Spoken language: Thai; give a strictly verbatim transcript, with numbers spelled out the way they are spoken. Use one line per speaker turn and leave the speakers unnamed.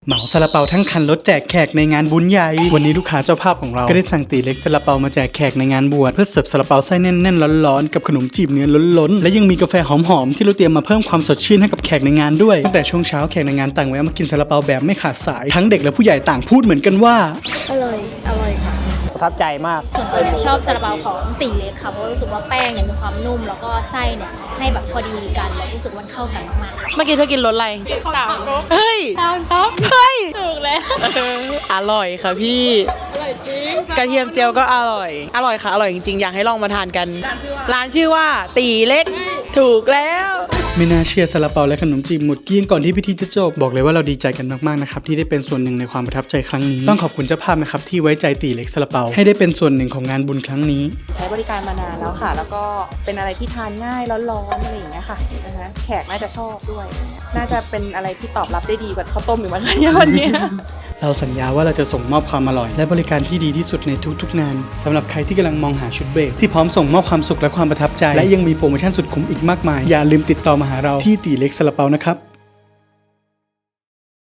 เหมาซาลาเปาทั้งคันรถแจกแขกในงานบุญใหญ่วันนี้ลูกค้าเจ้าภาพของเราก็ได้สั่งตีเล็กซาลาเปามาแจกแขกในงานบวชเพื่อเสิร์ฟซาลาเปาไส้แน่นๆร้อนๆกับขนมจีบเนื้อล้นๆและยังมีกาแฟหอมๆที่เราเตรียมมาเพิ่มความสดชื่นให้กับแขกในงานด้วยตั้งแต่ช่วงเช้าแขกในงานต่างแวะมากินซาลาเปาแบบไม่ขาดสายทั้งเด็กและผู้ใหญ่ต่างพูดเหมือนกันว่า
อร่อยอร่อยค่ะ
ประทับใจมาก
ส่วนตัวเนี่ยชอบซาลาเปาของตีเล็กค่ะเพราะรู้สึกว่าแป้งเนี่ยมีความนุ่มแล้วก็ไส้เนี่ยให้แบบพอดีกันแล้วรู้สึกว่าเข้ากันมาก
เมื่อกี้เธอกินรสอะไร
ๆต่าง
เฮ้ย
ต่างครับ
เฮ้ย
ถูกแล้ว
อร่อยค่ะพี่
อร่อยจริง
กระเทียมเจียวก็อร่อยอร่อยค่ะอร่อยจริงๆอยากให้ลองมาทานกันร้านชื่อว่าตีเล็กถูกแล้ว
ไม่น่าเชื่อซาลาเปาและขนมจีบหมดเกลี้ยงก่อนที่พิธีจะจบบอกเลยว่าเราดีใจกันมากๆนะครับที่ได้เป็นส่วนหนึ่งในความประทับใจครั้งนี้ต้องขอบคุณเจ้าภาพนะครับที่ไว้ใจตีเล็กซาลาเปาให้ได้เป็นส่วนหนึ่งของงานบุญครั้งนี้
ใช้บริการมานานแล้วค่ะแล้วก็เป็นอะไรที่ทานง่ายร้อนๆอะไรอย่างเงี้ยค่ะนะคะแขกน่าจะชอบด้วยน่าจะเป็นอะไรที่ตอบรับได้ดีกว่าข้าวต้มหรือมั้งคะเนี่ยวันนี้
เราสัญญาว่าเราจะส่งมอบความอร่อยและบริการที่ดีที่สุดในทุกๆงานสำหรับใครที่กำลังมองหาชุดเบรกที่พร้อมส่งมอบความสุขและความประทับใจและยังมีโปรโมชั่นสุดคุ้มอีกมากมายอย่าลืมติดต่อมาหาเราที่ตีเล็กซาลาเปานะครับ